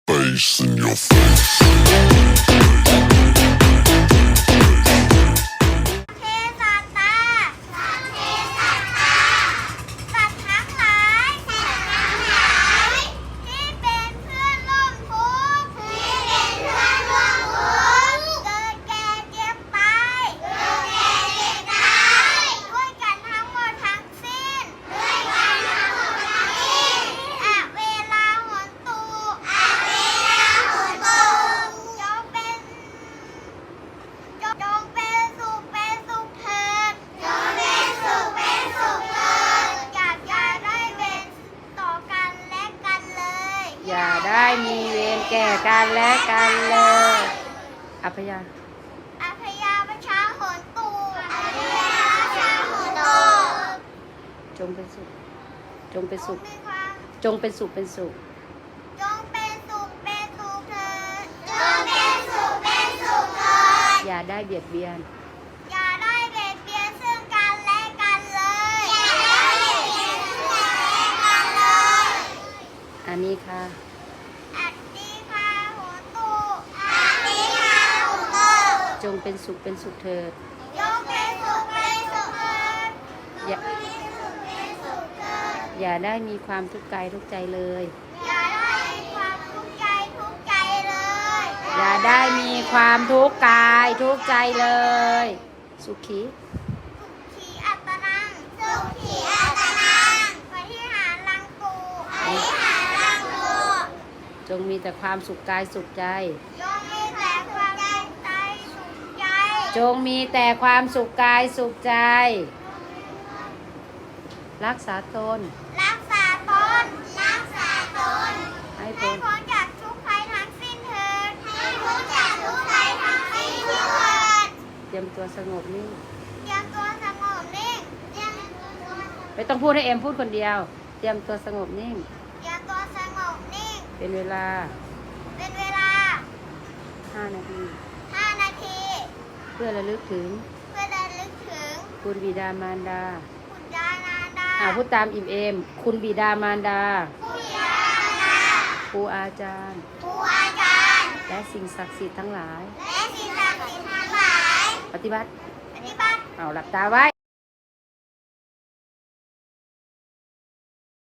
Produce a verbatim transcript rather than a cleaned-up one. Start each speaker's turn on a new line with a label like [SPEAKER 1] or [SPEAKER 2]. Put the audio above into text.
[SPEAKER 1] bass in your face.
[SPEAKER 2] เทสัตตาสัตว์เทสัตตาสัตว์ทั้งหลายสัตว์ทั้งหลายที่เป็นเพื่อนร่วมทุกข์ที่เป็นเพื่อนร่วมทุกข์เกิดแก่เจ็บตายเกิดแก่เจ็บตายด้วยกันทั้งหมดทั้งสิ้นด้วยกันทั้งหมดทั้งสิ้นอะเวลาหนตูอะเวลาหนตูจงเป็น จงจงเป็นสุขเป็นสุขเถิดจงเป็นสุขเป็นสุขเถิดอย่าอย่าได้เวรต่อกันและกันเลย
[SPEAKER 3] อย่าได้มีเวรแก่กันและกันเลยอภยา
[SPEAKER 2] อภยาประชาหนตูอภยาประชาหนตู
[SPEAKER 3] จงเป็นสุข จงเป็น
[SPEAKER 2] จ
[SPEAKER 3] สุ
[SPEAKER 2] ง
[SPEAKER 3] ข
[SPEAKER 2] มีความ
[SPEAKER 3] จงเป็นสุขเป็นสุข
[SPEAKER 2] จงเป็นสุขเป็นสุขเถิดจงเป็นสุขเป็นสุขเถิด
[SPEAKER 3] อย่าได้เบียดเบียน
[SPEAKER 2] อย่าได้เบียดเบียนซึ่งกันและกันเลยอย่าได้เบียดเบียนซึ่งกันและกันเลย
[SPEAKER 3] อันนี้ค่ะ
[SPEAKER 2] อัตติคาโหตุอัตติคาโหตุ
[SPEAKER 3] จงเป็นสุขเป็นสุขเถิด
[SPEAKER 2] ยกเป็นสุขเป็นสุขเถิด
[SPEAKER 3] อย่า
[SPEAKER 2] เป็นสุขเป็นสุขเถิด
[SPEAKER 3] อย่าได้มีความทุกข์กายทุกข์ใจเลย
[SPEAKER 2] อย่าได้มีความทุกข์ใจทุกข์ใจเลย
[SPEAKER 3] อย่าได้มีความทุกข์กายทุกข์ใจเลย สุขี
[SPEAKER 2] สุขีอัตตนังสุขีอัตตนังปฏิหารลังกูปฏิหารลังกู
[SPEAKER 3] จงมีแต่ความสุขกายสุขใจ
[SPEAKER 2] จงมีแต่ความใจสุขใจ
[SPEAKER 3] จงมีแต่ความสุขกายสุขใจ รักษาตน
[SPEAKER 2] รักษาตนรักษาตน
[SPEAKER 3] ให้
[SPEAKER 2] ให้
[SPEAKER 3] พ้น
[SPEAKER 2] พ้นจากทุกข์ภัยทั้งสิ้นเถิดให้พ้นจากทุกข์ภัยทั้งสิ้นเถิด
[SPEAKER 3] เตรียมตัวสงบนิ่ง
[SPEAKER 2] เตรียมตัวสงบนิ่งเตรียมตัว
[SPEAKER 3] ไม่ต้องพูดให้เอ็มพูดคนเดียว เตรียมตัวสงบนิ่ง
[SPEAKER 2] เตรียมตัวสงบนิ่ง
[SPEAKER 3] เป็นเวลา
[SPEAKER 2] เป็นเวลา
[SPEAKER 3] ห้านาที
[SPEAKER 2] ห้านาที
[SPEAKER 3] เพื่อระลึกถึง
[SPEAKER 2] เพื่อระลึกถึง
[SPEAKER 3] คุณบิดามารดา
[SPEAKER 2] คุณยานาดา
[SPEAKER 3] อ่าพูดตามอิ่มเอม คุณบิดามารดา
[SPEAKER 2] ผู้ยานา
[SPEAKER 3] ครูอาจารย์
[SPEAKER 2] ผู้อาจารย์
[SPEAKER 3] และสิ่งศักดิ์สิทธิ์ทั้งหลาย
[SPEAKER 2] และสิ่งศักดิ์สิทธิ์ทั้งหลาย
[SPEAKER 3] ปฏิบัติ
[SPEAKER 2] ปฏิบัติ
[SPEAKER 3] เอาหลับตาไว้